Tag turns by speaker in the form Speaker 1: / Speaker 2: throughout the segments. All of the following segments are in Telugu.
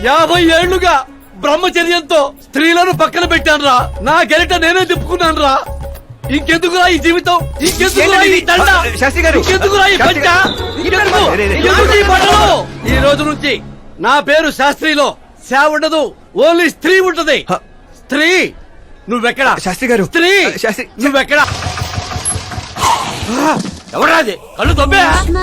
Speaker 1: 50 ఏళ్లుగా బ్రహ్మచర్యంతో స్త్రీలను పక్కన పెట్టానురా. నా గెరిట నేనే తిప్పుకున్నాను రా. ఇంకెందుకురా ఈ జీవితం, ఇంకెందుకురా ఈ దండ, ఇంకెందుకురా ఈ పంట, ఇంకెందుకు ఈ బట్టలు? ఈ రోజు నుంచి నా పేరు శాస్త్రిలో శా ఉండదు, ఓన్లీ స్త్రీ ఉంటది. స్త్రీ నువ్వెక్కడ? శాస్త్రి గారు స్త్రీ నువ్వెక్కడ? ఎవరాది కళ్ళు తొబ్బే?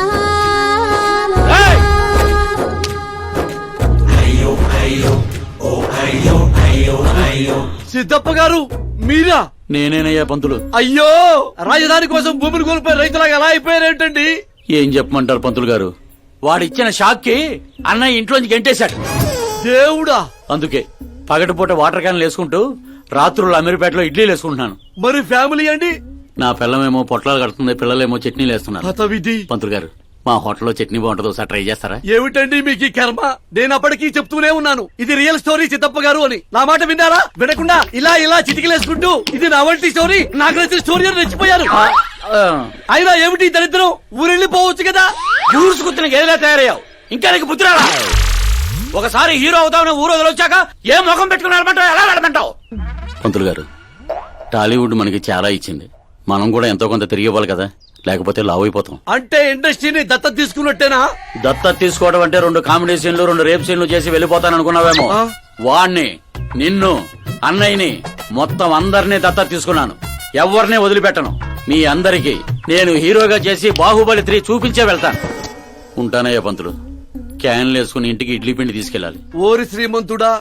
Speaker 1: సిద్ధప్ప గారు మీరా?
Speaker 2: నేనేనయ్యా పంతులు.
Speaker 1: అయ్యో, రాజధాని కోసం భూమిని కోల్పోయి రైతులాగా ఎలా అయిపోయారేంటండి?
Speaker 2: ఏం చెప్పమంటారు పంతులు గారు, వాడిచ్చిన షాక్ కి అన్నయ్య ఇంట్లోంచి గెంటేశాడు.
Speaker 1: దేవుడా!
Speaker 2: అందుకే పగటిపూట వాటర్ క్యాన్లు వేసుకుంటూ రాత్రులు అమీర్పేటలో ఇడ్లీలు వేసుకుంటున్నాను.
Speaker 1: మరి ఫ్యామిలీ అండి?
Speaker 2: నా పిల్లమేమో పొట్లాలు కడుతుంది, పిల్లలేమో చట్నీలు వేస్తున్నారు.
Speaker 1: హతవిధి.
Speaker 2: పంతులు గారు, మా హోటల్లో చట్నీ బాగుంటుంది, ఒకసారి ట్రై చేస్తారా?
Speaker 1: ఏమిటండి మీకు ఈ కర్మ? నేను అప్పటికీ చెప్తూనే ఉన్నాను ఇది రియల్ స్టోరీ సిద్ధప్ప గారు అని. నా మాట విన్నారా? వినకుండా ఇలా ఇలా చిటికలేసుకుంటూ ఇది నా వంటి స్టోరీ, నాకు నచ్చిన స్టోరీ అని రెచ్చిపోయారు. అయినా ఏమిటి దరిద్రం? ఊరెళ్ళిపోవచ్చు కదా.
Speaker 2: ఊరుసుకుతున్న గేదెలా తయారయ్యావు, ఇంకా నీకు బుద్ధి రాలా? ఒకసారి హీరో అవుతావు, ఊరు వదిలొచ్చాక ఏ ముఖం పెట్టుకున్నారంటావు, ఎలా నడమంటావు? పంతులు గారు, టాలీవుడ్ మనకి చాలా ఇచ్చింది, మనం కూడా ఎంతో కొంత తిరిగి ఇవ్వాలి కదా, లేకపోతే లావ్ అయిపోతాం.
Speaker 1: అంటే ఇండస్ట్రీని దత్తత తీసుకున్నట్టేనా?
Speaker 2: దత్తత తీసుకోవడం అంటే 2 కామెడీ సీన్లు 2 రేప్ సీన్లు చేసి వెళ్ళిపోతాను అనుకున్నావేమో. వాణ్ణి, నిన్ను, అన్నయ్యని, మొత్తం అందరినీ దత్తత తీసుకున్నాను. ఎవరిని వదిలిపెట్టను. మీ అందరికీ నేను హీరోగా చేసి బాహుబలి 3 చూపించే వెళ్తాను. ఉంటానయ్యా పంతులు. క్యాన్లు వేసుకుని ఇంటికి ఇడ్లీ పిండి తీసుకెళ్ళాలి.
Speaker 1: ఓరి శ్రీమంతుడా!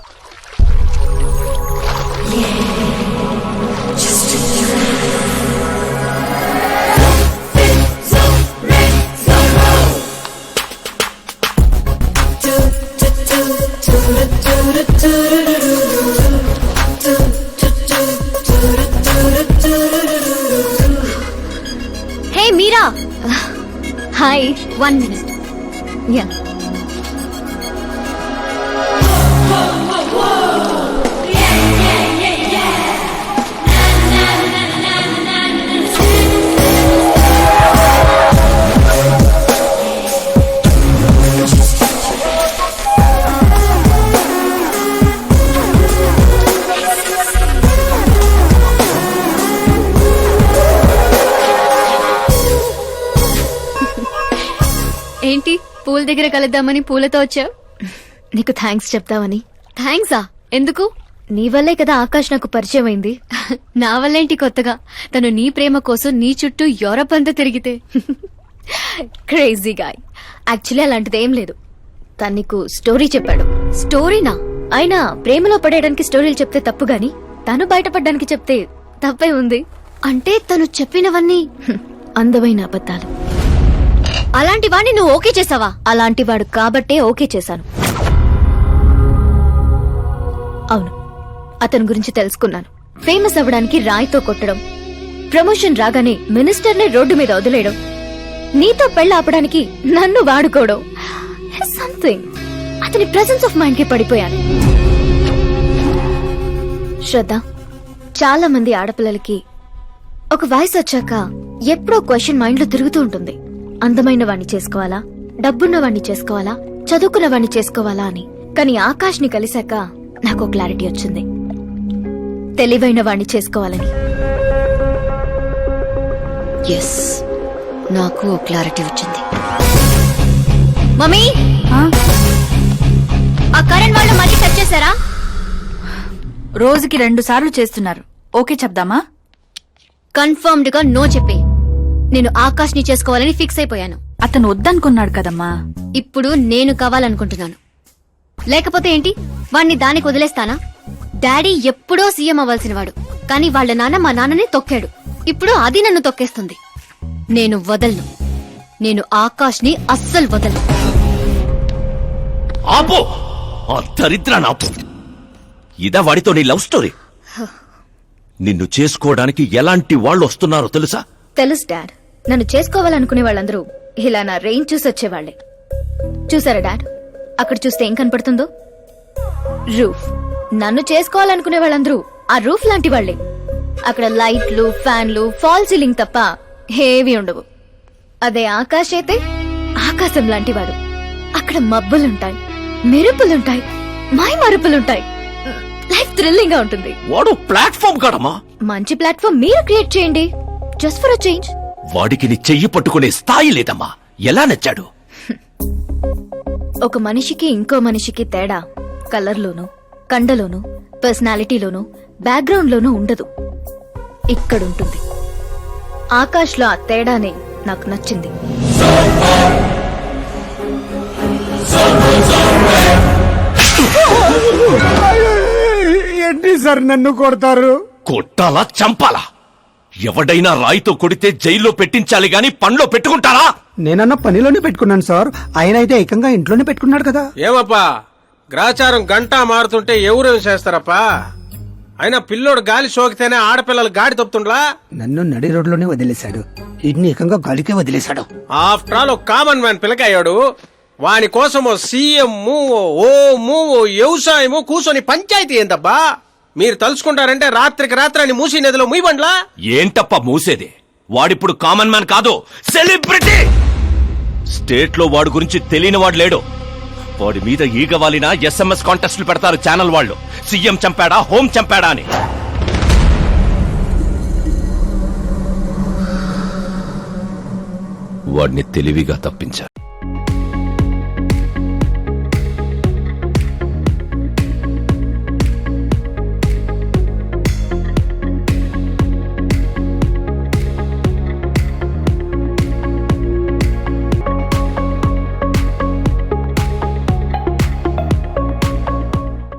Speaker 3: హే మీరా, హాయ్. 1 minute. యా. ఏంటి పూల దగ్గర కలుద్దామని పూలతో వచ్చావు? నీకు థ్యాంక్స్ చెప్తావని. థ్యాంక్సా? ఎందుకు? నీ వల్లే కదా ఆకాష్ నాకు పరిచయం అయింది. నా వల్లేంటి కొత్తగా? తను నీ ప్రేమ కోసం నీ చుట్టూ యూరప్ అంతా తిరిగితే. Crazy guy. యాక్చువల్లీ అలాంటిది ఏం లేదు. తను నీకు స్టోరీ చెప్పాడు. స్టోరీనా? అయినా ప్రేమలో పడేయడానికి స్టోరీలు చెప్తే తప్పు గాని తను బయటపడడానికి చెప్తే తప్పే ఉంది. అంటే తను చెప్పినవన్నీ అందమైన అబద్ధాలు. అలాంటి వాడిని నువ్వు ఓకే చేసావా? అలాంటి వాడు కాబట్టే ఓకే చేశాను. అవును, అతని గురించి తెలుసుకున్నాను. ఫేమస్ అవ్వడానికి రాయితో కొట్టడం, ప్రమోషన్ రాగానే మినిస్టర్ని రోడ్డు మీద వదిలేయడం, నీతో పెళ్లి ఆపడానికి నన్ను వాడుకోవడం, సంథింగ్. అతని ప్రెసెన్స్ ఆఫ్ మైండ్ కి పడిపోయాను. శ్రద్ధ, చాలా మంది ఆడపిల్లలకి ఒక వయసు వచ్చాక ఎప్పుడో క్వశ్చన్ మైండ్ లో తిరుగుతూ ఉంటుంది. అందమైన వాణ్ణి చేసుకోవాలా, డబ్బున్న వాణ్ణి చేసుకోవాలా, చదువుకున్న వాణ్ణి చేసుకోవాలా అని. కానీ ఆకాష్ ని కలిశాక నాకు క్లారిటీ వచ్చింది. తెలివైన వాణ్ణి చేసుకోవాలని. ఎస్, నాకు క్లారిటీ వచ్చింది. మమ్మీ, ఆ కరణ్ వాళ్ళు మళ్ళీ టచ్ చేశారా?
Speaker 4: రోజుకి 2 సార్లు చేస్తున్నారు. ఓకే చెప్దామా?
Speaker 3: కన్ఫర్మ్డ్ గా నో చెప్పే. నేను ఆకాష్ ని చేసుకోవాలని ఫిక్స్ అయిపోయాను.
Speaker 4: అతను వద్దనుకున్నాడు కదమ్మా.
Speaker 3: ఇప్పుడు నేను కావాలనుకుంటున్నాను. లేకపోతే ఏంటి, వాణ్ణి దానికి వదిలేస్తానా? డాడీ ఎప్పుడో సీఎం అవ్వాల్సిన వాడు, కానీ వాళ్ళ నాన్న మా నాన్నని తొక్కాడు. ఇప్పుడు అది నన్ను తొక్కేస్తుంది. నేను వదలను. నేను ఆకాష్ ని అస్సలు వదలను.
Speaker 5: ఆపో, ఆ దరిద్రాన్ని ఆపు. ఇదా వాడితో నీ లవ్ స్టోరీ? నిన్ను చేసుకోవడానికి ఎలాంటి వాళ్ళు వస్తున్నారో తెలుసా?
Speaker 3: తెలుసు డాడ్. నన్ను చేసుకోవాలనుకునే వాళ్ళందరూ ఇలా నా రేంజ్ చూసి వచ్చేవాళ్లే. చూసారా డాడ్, అక్కడ చూస్తే ఏం కనపడుతుందో? రూఫ్. నన్ను చేసుకోవాలనుకునే వాళ్ళందరూ ఆ రూఫ్ లాంటి వాళ్లే. అక్కడ లైట్లు, ఫ్యాన్లు, ఫాల్ సీలింగ్ తప్ప ఏవి ఉండవు. అదే ఆకాశ్ అయితే ఆకాశం లాంటివాడు. అక్కడ మబ్బులుంటాయి, మెరుపులుంటాయి, మై మరుపులుంటాయి. లైఫ్ థ్రిల్లింగ్ గా ఉంటుంది.
Speaker 5: వాడు ప్లాట్ఫామ్ కాడమ్మా.
Speaker 3: మంచి ప్లాట్ఫామ్ మీరు క్రియేట్ చేయండి, జస్ట్ ఫర్ అ చేంజ్.
Speaker 5: వాడికి నీ చెయ్యి పట్టుకునే స్థాయి లేదమ్మా. ఎలా నచ్చాడు?
Speaker 3: ఒక మనిషికి ఇంకో మనిషికి తేడా కలర్లోనూ, కండలోనూ, పర్సనాలిటీలోనూ, బ్యాక్గ్రౌండ్ లోనూ ఉండదు. ఇక్కడుంటుంది. ఆకాష్ లో ఆ తేడానే నాకు నచ్చింది.
Speaker 6: ఏంటి సార్ నన్ను కొడతారు?
Speaker 5: కొట్టాలా చంపాలా? ఎవడైనా రాయితో కొడితే జైల్లో పెట్టించాలి గాని పండ్లో పెట్టుకుంటారా?
Speaker 6: నేనన్న పనిలోనే పెట్టుకున్నాను సార్. ఆయన అయితే ఏకంగా ఇంట్లోనే పెట్టుకున్నాడు కదా.
Speaker 7: ఏమప్పా గ్రాచారం గంటా మారుతుంటే ఎవరేం చేస్తారప్పా? అయినా పిల్లోడు గాలి సోకితేనే ఆడపిల్లలు గాడి తప్పుతుండ్లా?
Speaker 6: నన్ను నడి రోడ్లోనే వదిలేశాడు, ఇన్ని ఏకంగా గాలికే వదిలేశాడు.
Speaker 7: ఆఫ్టర్ ఆల్ ఒక కామన్ మ్యాన్ పిల్లకయ్యాడు. వాని కోసం ఓ సీఎం, ఓ వ్యవసాయము కూర్చొని పంచాయతీ ఏందబ్బా? మీరు తలుచుకుంటారంటే రాత్రికి రాత్రాన్ని మూసి నదిలో ముయ్యబండ్లా?
Speaker 5: ఏంటప్ప మూసేది? వాడిప్పుడు కామన్ మ్యాన్ కాదు, సెలబ్రిటీ. స్టేట్ లో వాడి గురించి తెలియని వాడు లేడు. వాడి మీద ఈగవాలిన SMS కాంటెస్టులు పెడతారు ఛానల్ వాళ్ళు. సీఎం చంపాడా, హోం చంపాడా అని. వాడిని తెలివిగా తప్పించా.